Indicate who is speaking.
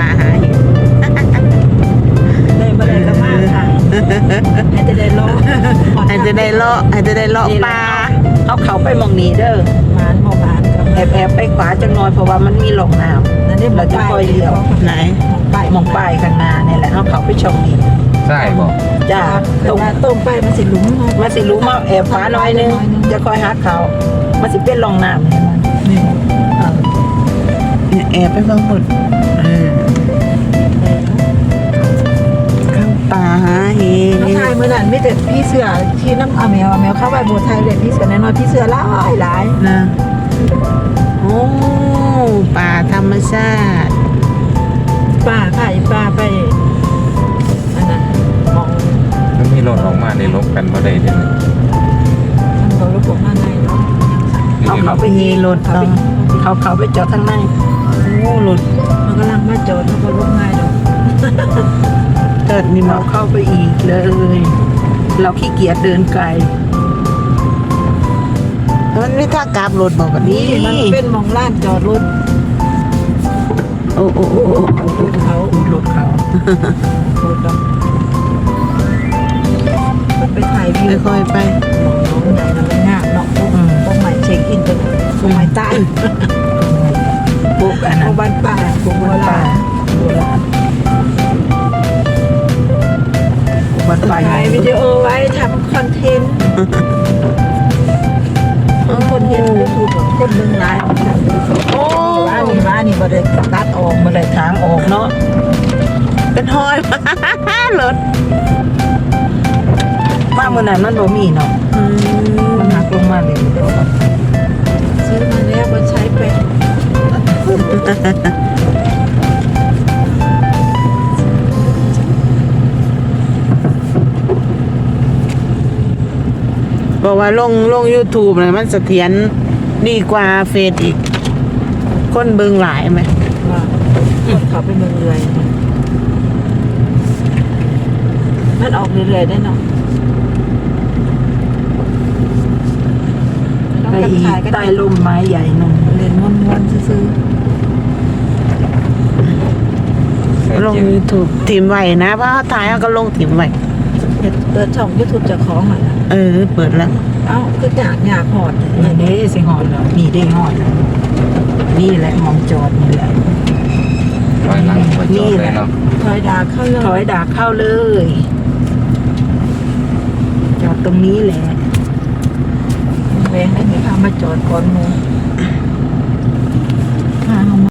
Speaker 1: าหาเห็ด
Speaker 2: เลยมาเลยละมากค่ะให้จะได้ล้อ
Speaker 1: ให้จะได้เลาะปลาเขาไปมองนี้เด้อ
Speaker 2: หมานหมอหมานกับ
Speaker 1: แอบไปขวาจังน้อยเพราะว่ามันมีหลงน้ำ
Speaker 2: นั่นนี่
Speaker 1: เราจะคอยเลี้ยวไหนมองป้ายข้างหน้านี่แหละเขาไปชมนี่
Speaker 3: ใช่บอก
Speaker 1: จ้า
Speaker 2: ตรงตรงไปมันสิลุ้ม
Speaker 1: มาสิรู้มาแอบฟ้าน้อยนึงจะคอยหาเขามาสิเป็นหลงน้ำนี่มัน
Speaker 2: นี่
Speaker 1: แอบไปบางคนเข้าป่าหาเห็ด
Speaker 2: น้องชายเมื่อนั้นมีแต่พี่เสือที่น้ำเอาแมวเข้าไปโบสถ์ไทยเลยพี่เสือน้อยพี่เสือหลาย
Speaker 1: นะโอ้ป่าธรรมชาติ
Speaker 2: ป้าค่ะป้าไปอันนั้นมอง
Speaker 3: มันมีรถออกมาในรถกันบ่ได้เด้อ
Speaker 2: มันบอกระบบข้างในเนาะ
Speaker 1: เขาไปยีรถเขาไปจอดทางในโอ้รถ
Speaker 2: มันกำลังมาจอดเขาก็ลงง่ายเนาะ
Speaker 1: เกิดนี่เราเข้าไปอีกเลย เราขี้เกียจเดินไกลมันไม่ท่ากราบรถบอกแบบนี้
Speaker 2: นี่มันเป็นมองล้านจอดรถ
Speaker 1: โอ้รถเขา
Speaker 2: รถเนาะมันไปถ่ายวิว
Speaker 1: ค่อยๆไป
Speaker 2: น้องใหญ่มันงามเนาะพวกใหม่เช็คอินตัวพวกใหม่ใต้
Speaker 1: ปุ๊บอัน
Speaker 2: พ
Speaker 1: นั้
Speaker 2: วน กบ้านป่าพวกโบราณ
Speaker 1: วัดป่า
Speaker 2: ถ่ายวิดีโอไว้ทำคอนเทนต์คนเห็นยูทูบคนเมืองร้าย
Speaker 1: โอ้
Speaker 2: ว่านี่บ่ได้ตัดออกมาเลย
Speaker 1: ทางออกเนาะเป็นห้อย รถมาเมื่อนั้นมันบ่มีเนาะมันหักลงมาเลย
Speaker 2: ซื้อมาแล้วก็ใช้เป็น
Speaker 1: บอกว่าลง YouTube เลยมันเสถียรดีกว่าเฟซอีก คนเบิ่งหลายไหม
Speaker 2: ว่าคนเขาไปเมืองเรือยมันออกเรื่อยๆได้เนาะ
Speaker 1: ไปอีกใต้ร่มไม้ใหญ่นง
Speaker 2: เล่นม้วนๆซื่อ
Speaker 1: ลง YouTube ทีมไว้นะเพราะเขาถ่ายเขาก็ลงทีมไว้
Speaker 2: ๆเปิดช่อง YouTube จะของอ่ะนะ
Speaker 1: เปิดแล้ว
Speaker 2: เอ้าคืออยากหอด
Speaker 1: นี่เด้สิหอดแล้วนี่ได้หอดแล้วนี่แหละมองจอดนี่แหละ
Speaker 3: ถอยหลังไปจอดเลยเนาะ
Speaker 2: ถอยดาเข้าเลย
Speaker 1: ถอยดากเข้าเลย จอดตรงนี้แหละ
Speaker 2: แหวงให้มีพามาจอดก่อนหมู
Speaker 1: อ